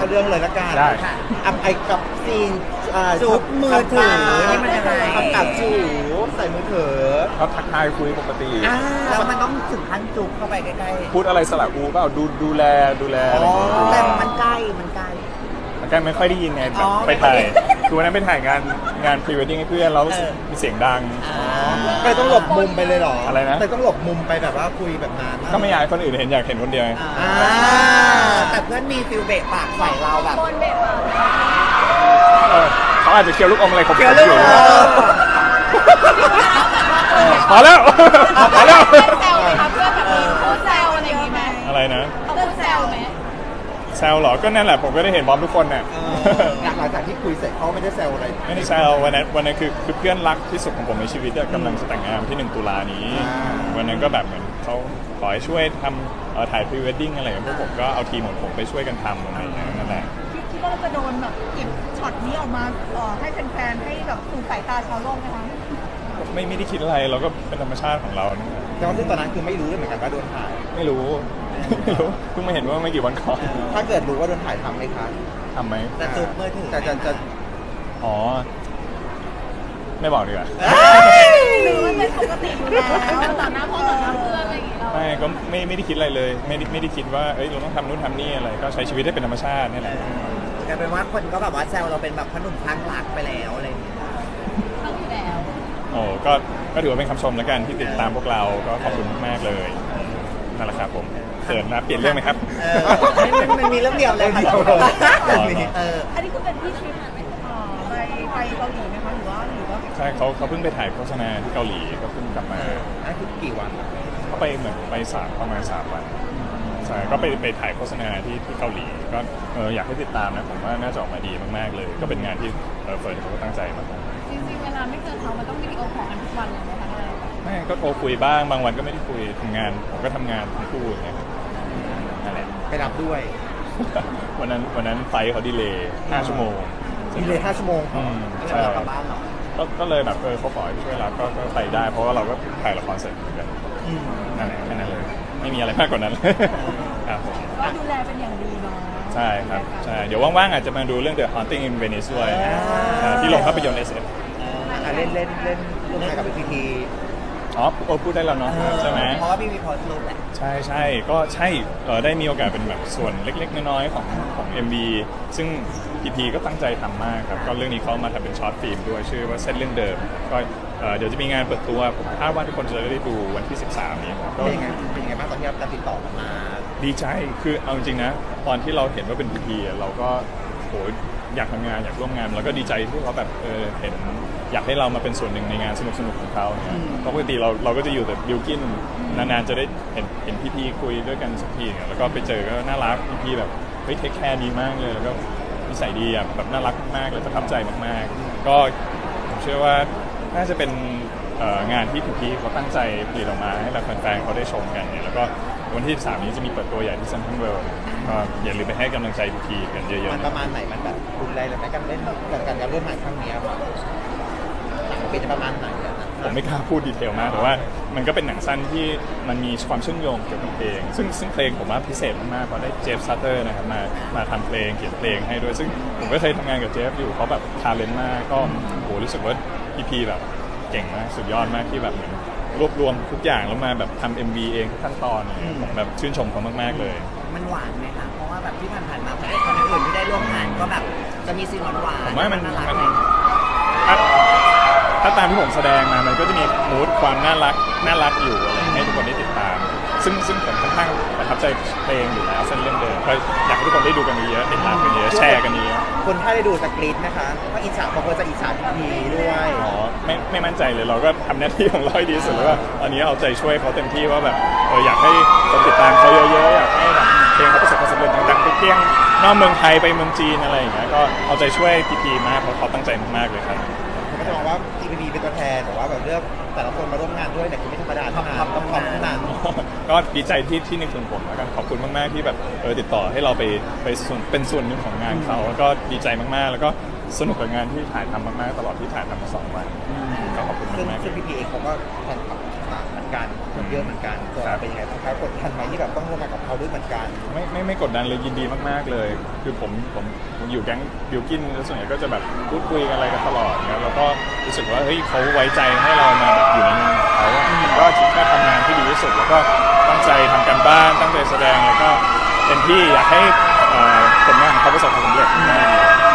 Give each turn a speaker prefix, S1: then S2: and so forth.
S1: เรื่องเลยละกัน
S2: ได้
S1: อัพไอกับซีน
S3: จุ๊บมือถือนี่มันยังไง
S1: ทำกับจูใส่มือถือ
S2: เขาทักทายคุยปกติ
S3: แล้วมันต้องถึงขั้นจุ๊บเข้าไปใกล้
S2: พูดอะไรสลับอูเปล่าดูแลอะไรอย่างเงี้ย
S3: ๆแต่มันใกล้มันใกล้
S2: มันก็ไม่ค่อยได้ยินไงแบบ
S3: อ๋อ
S2: ไปถ่ายคือวันนั้นไปถ่ายงานพรีเวดดิ้งให้เพื่อนแล้วมีเสียงดัง
S1: ไปต้องหลบมุมไปเลยเหรอ
S2: อะไรนะ
S1: ไปต้องหลบมุมไปแบบว่าคุยแบบนั้น
S2: ก็ไม่อยากให้คนอื่นเห็นอยากเห็นคนเดียวไง
S3: แต่เพื่อนมีฟิลเบะปากใส่เราแบบ
S2: เขาอาจจะเคี้ยวลูกอมอะไรเขา
S3: เกี่ยวเรื่อง
S2: อยู่พอแล้วพอแล้ว
S4: แซวไหมคะเพื่อนแบบมีพูดแซวอะไรอย่างงี้ไหม
S2: อะไรนะ
S4: เขาพูดแซวไหม
S2: แซวเหรอก็นั่นแหละผมก็ได้เห็นบอมทุกคนน่ะ
S1: หลังจากที่คุยเสร็จเขาไม่ได้แซวอะไร
S2: ไม่ได้แซววันนั้นคือเพื่อนรักที่สุดของผมในชีวิตอะกำลังจะแต่งงานที่1 ตุลานี้ วันนั้นก็แบบเหมือนเขาขอให้ช่วยทำถ่ายพรีเวดดิ้งอะไรอย่างเงี้ยพวกผมก็เอาทีมของผมไปช่วยกันทำอะไรอย่างเงี้ยนั่นแหละ
S4: คิดว่าเราจะโดนแบบเก็บช็อตนี้ออกมาให้แฟนๆให้แบบสู่สายตาชาวโลกไหมคะ
S2: ไม่ได้คิดอะไรเราก็เป็นธรรมชาติของเราเนี่ย
S1: แต่ว่าซึ่งตอนนั้นคือไม่รู้เลยเหมือนกันว่าโดนถ่าย
S2: ไม่รู้เพิ่งมาเห็นว่าไม่กี่วันก่อน
S1: ถ้าเกิดรู้ว่าโดนถ่ายทำไหมคะ
S2: ทำไหม
S3: จะจุ๊บมือถือ
S1: จะ
S2: อ๋อไม่บอกดีกว่า
S4: หรือมันเป็นปกติอยู่แล้วต่อหน้าพ่อต่อหน้าเพื่อนอะไรอย่างงี้เรา
S2: ไม่ก็ไม่ได้คิดอะไรเลยไม่ได้คิดว่าเอ้ยเราต้องทำนู่นทำนี่อะไรก็ใช้ชีวิตให้เป็นธรรมชาตินี่แหละ
S3: กลายเป็นว่าคนก็แบบว่าแซวเราเป็นแบบขนมคลั่งรักไปแล้วอะไรอย่างเงี้ย
S4: เขาอยู่แล้ว
S2: โอ้ก็ถือว่าเป็นคำชมแล้วกันที่ติดตามพวกเราก็ขอบคุณมากๆเลยนั่นแหละครับผมเขินนะเปลี่ยนเรื่องไหมครับ
S3: มันมีเรื่องเดียวเลยค่ะ
S4: อันนี้คือเป็นที่ทริปไปเกาหลีไหมคะหรือว่า
S2: ใช่เขาเพิ่งไปถ่ายโฆษณาที่เกาหลีก็เพิ่งกลับมา
S1: นั่นคือกี่วัน
S2: เขาไปเหมือนไปประมาณ3 วันใช่ก็ไปถ่ายโฆษณาที่เกาหลีก็อยากให้ติดตามนะผมว่าน่าจะออกมาดีมากๆเลย ก็เป็นงานที่เฟิร์นเขาก็ตั้งใจมาก
S4: จริงๆเวลาไม่เจอเขามันต้องวิดีโอคอลกันทุกวันเลยไหมคะนาย
S2: ไม่ก็โทรคุยบ้างบางวันก็ไม่ได้คุยทำงานผมก็ทำงานทั้งคู่อย่างเงี้ยนั่นแหละ
S1: ไปรับด้วย
S2: วันนั้นไฟล์เขาดีเลย์5 ชั่วโมง
S1: มีเลย5 ชั่วโมง
S2: ใช่
S3: เรากลับบ้านเหรอ
S2: ก็เลยแบบเขาขอให้ช่วยรับก็ไปได้ เพราะว่าเราก็ถ่ายละครเสร็จเหมือนกันนั่นแหละแค่นั้นเลยไม่มีอะไรมากกว่านั้นครับผม
S4: ก็ดูแลเป็นอย่างดีเนาะ
S2: ใช่ครับใช่เดี๋ยวว่างๆอาจจะมาดูเรื่อง The Haunting in Venice ด้วยที่ลงภาพยนตร์ SF
S1: เล่นร่วมงานกับพีพี
S2: อ๋อพูดได้แล้วเนาะใช่ไหม
S3: เพราะว่าพี่มีโพสต์รูปแหละ
S2: ใช่ก็ใช่ได้มีโอกาสเป็นแบบส่วนเล็กๆน้อยๆของ MV ซึ่งพีพีก็ตั้งใจทำมากครับก็เรื่องนี้เขามาทำเป็นช็อตฟิล์มด้วยชื่อว่าเส้นเรื่องเดิมก็เดี๋ยวจะมีงานเปิดตัวผมคาดว่าทุกคนจะได้ดูวันที่ 13 นี้ครับก็
S1: เป็นยังไงบ้างตอนที่เราติดต่อมา
S2: ดีใจคือเอาจริงๆนะตอนที่เราเห็นว่าเป็นพีพีเราก็โหอยากทำงานอยากร่วมงานแล้วก็ดีใจที่เขาแบบเห็นอยากให้เรามาเป็นส่วนหนึ่งในงานสนุกๆของเขาเนี่ยเพราะปกติเราก็จะอยู่แต่บิลกินนานๆจะได้เห็นพี่ๆคุยด้วยกันสักทีเนี่ยแล้วก็ไปเจอก็น่ารักพี่ๆแบบเฮ้ยเทคแคร์ดีมากเลยแล้วก็นิสัยดีอ่ะแบบน่ารักมากเลยประทับใจมากๆก็ผมเชื่อว่าน่าจะเป็นงานที่พี่ๆเขาตั้งใจผลิตออกมาให้เราแฟนๆเขาได้ชมกันเนี่ยแล้วก็วันที่ 13 นี้จะมีเปิดตัวใหญ่ที่เซ็นทรัลเวิลด์ก็อย่าลืมไปให้กำลังใจพี่ๆกันเยอะๆ
S1: มันประมาณไหนมันแบบรุนแรงเลยไหมการเล่นการร่วมงานครั้งนี้เป็นจะประมาณไหนกัน
S2: ผมไม่กล้าพูดดีเทลมากแต่ว่ามันก็เป็นหนังสั้นที่มันมีความเชื่อมโยงเกี่ยวกับเพลงซึ่งเพลงผมว่าพิเศษมากๆเพราะได้เจฟซัตเตอร์นะครับมาทำเพลงเขียนเพลงให้ด้วยซึ่งผมก็เคยทำงานกับเจฟอยู่เขาแบบทาเลนต์มากก็โหรู้สึกว่าพี่แบบเก่งมากสุดยอดมากที่แบบเหมือนรวบรวมทุกอย่างแล้วมาแบบทำ MV เองทุกขั้นตอนผมแบบชื่นชมเขามากๆเลย
S3: มันหวานไหมคะเพราะว่าแบบที่ผ่านๆมาพระเอกคนอื่นที่ได้ร่วมงานก็แบบจะมีซีนหวานๆ
S2: ผมว่ามัน
S3: น่ารักเลย
S2: ถ้าตามที่ผมแสดงมามันก็จะมีมูดความน่ารักอยู่อะไรให้ทุกคนได้ติดตาม ซึ่งผมค่อนข้างประทับใจเพลงอยู่แล้วเส้นเรื่องเดิมก็อยากให้ทุกคนได้ดูกันเยอะติดตามกันเยอะแชร์กันเยอะ
S1: คนถ้าได้ดูสกรีนนะคะก็อิจฉาบางคนจะอิจฉาพีพีด้วย
S2: อ๋อไม่มั่นใจเลยเราก็ทำหน้าที่ของเราให้ดีที่สุดแล้วก็ตอนนี้เอาใจช่วยเขาเต็มที่ว่าแบบอยากให้คนติดตามเขาเยอะๆอยากให้แบบเพลงเขาประสบความสำเร็จดังๆไปเที่ยงนอกเมืองไทยไปเมืองจีนอะไรอย่างเงี้ยก็เอาใจช่วยพีมากเพราะเขาตั้งใจมากๆเลยครับ
S1: ผมก็จะมองว่าพีพีเป็นตัวแทนแต่ว่าแบบเลือกแต่ละคนมาร่วมงานด้วยแต่คือไม่ธรรมดาเท่านั้นต้องขอบขนาด
S2: ก็ดีใจที่นึกถึงผมแล้วกันขอบคุณมากๆที่แบบติดต่อให้เราไปเป็นส่วนหนึ่งของงานเขาแล้วก็ดีใจมากๆแล้วก็สนุกกับงานที่ถ่ายทำมากๆตลอดที่ถ่ายทำมา2 วันก็ขอบคุณ
S1: ซึ่ง
S2: มากๆ
S1: พีพีเองเขาก็แฟนคลับต่างๆเหมือนกันคนเยอะเหมือนกันตัวเราเป็นยังไงบ้างครับกดดันไหมที่แบบต้องร่วมงานกับเขาด้วยเหมือนกัน
S2: ไม่กดดันเลยยินดีมากๆเลย คือผมอยู่แก๊งบิวกินแล้วส่วนใหญ่ก็จะแบบพูดคุยกันอะไรกันตลอดเนี่ยแล้วก็รู้สึกว่าเฮ้ยเขาไว้ใจให้เรามาแบบอยู่ในงานของเขาอะก็คิดแค่ทำงานที่ดีที่สุดแล้วก็ตั้งใจทำการบ้านตั้งใจแสดงแล้วก็เต็มที่อยากให้ผลงานของเขาประสบความสำเร็จ